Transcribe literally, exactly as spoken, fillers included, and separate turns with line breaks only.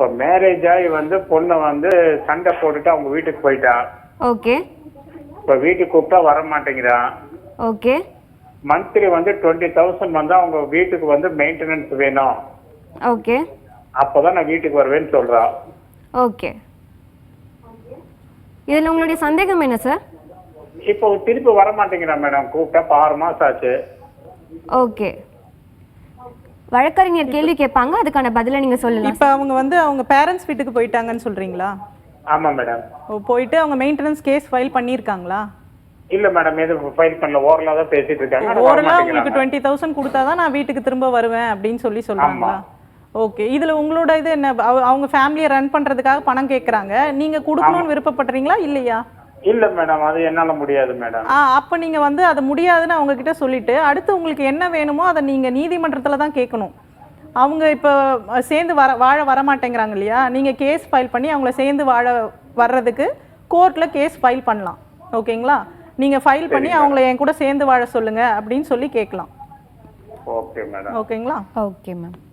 அப்ப மேரேஜ் ஆகி வந்து பொண்ணை வந்து சண்டை போட்டுட்டு அவங்க வீட்டுக்கு போயிட்டா.
ஓகே.
இப்ப வீட்டுக்கு கூப்பிட்டா வர மாட்டேங்கிறான்.
ஓகே.
மந்த்லி வந்து டுவெண்ட்டி தௌசண்ட் வந்து அவங்க வீட்டுக்கு வந்து மெயின்டெனன்ஸ் வேணும்.
ஓகே.
அப்பதான் நான் வீட்டுக்கு வருவேன்னு சொல்றா.
ஓகே. இதுல உங்களுடைய சந்தேகம் என்ன சார்?
இப்போ திருப்பி வர மாட்டேங்கிறா மேடம். கூப்பிட்டா ஆறு மாசம் ஆச்சு.
ஓகே. வழக்கறிஞர் கேள்வி கேட்பாங்க, அதுக்கான பதிலை நீங்க சொல்லலாம்.
இப்போ அவங்க வந்து அவங்க பேரண்ட்ஸ் வீட்டுக்கு போயிட்டாங்கன்னு சொல்றீங்களா?
ஆமா மேடம்.
ஓ, போயிட்டு அவங்க மெயின்டெனன்ஸ் கேஸ் ஃபைல் பண்ணியிருக்காங்களா?
இல்ல மேடம், எதுவும் ஃபைல் பண்ணல. ஓரலா தான் பேசிட்டு இருக்காங்க.
ஓரலா உங்களுக்கு டுவெண்ட்டி தௌசண்ட் கொடுத்தாதான் நான் வீட்டுக்கு திரும்ப வருவேன் அப்படின்னு சொல்லி சொல்றாங்களா? ஓகே. இதுல உங்களோட இது என்ன? அவ- அவங்க ஃபேமிலியை ரன் பண்றதுக்காக பணம் கேட்கறாங்க, நீங்க கொடுக்கணும்னு விருப்பப்படுறீங்களா இல்லையா?
இல்ல மேடம், அது என்னால முடியாது மேடம்.
ஆ, அப்ப நீங்க வந்து அது முடியாதுன்னு அவங்க கிட்ட சொல்லிட்டு அடுத்து உங்களுக்கு என்ன வேணுமோ அதை நீங்க நீதிமன்றத்துல தான் கேட்கணும். அவங்க இப்போ அஹ், சேர்ந்து வர வாழ வர மாட்டேங்கிறாங்க இல்லையா? நீங்க கேஸ் ஃபைல் பண்ணி அவங்கள சேர்ந்து வாழ வர்றதுக்கு கோர்ட்ல கேஸ் ஃபைல் பண்ணலாம். ஓகேங்களா? நீங்க ஃபைல் பண்ணி அவங்கள என் கூட சேர்ந்து வாழ சொல்லுங்க அப்படின்னு சொல்லி கேட்கலாம்.
Okay madam.
ஓகேங்களா?
Okay ma'am.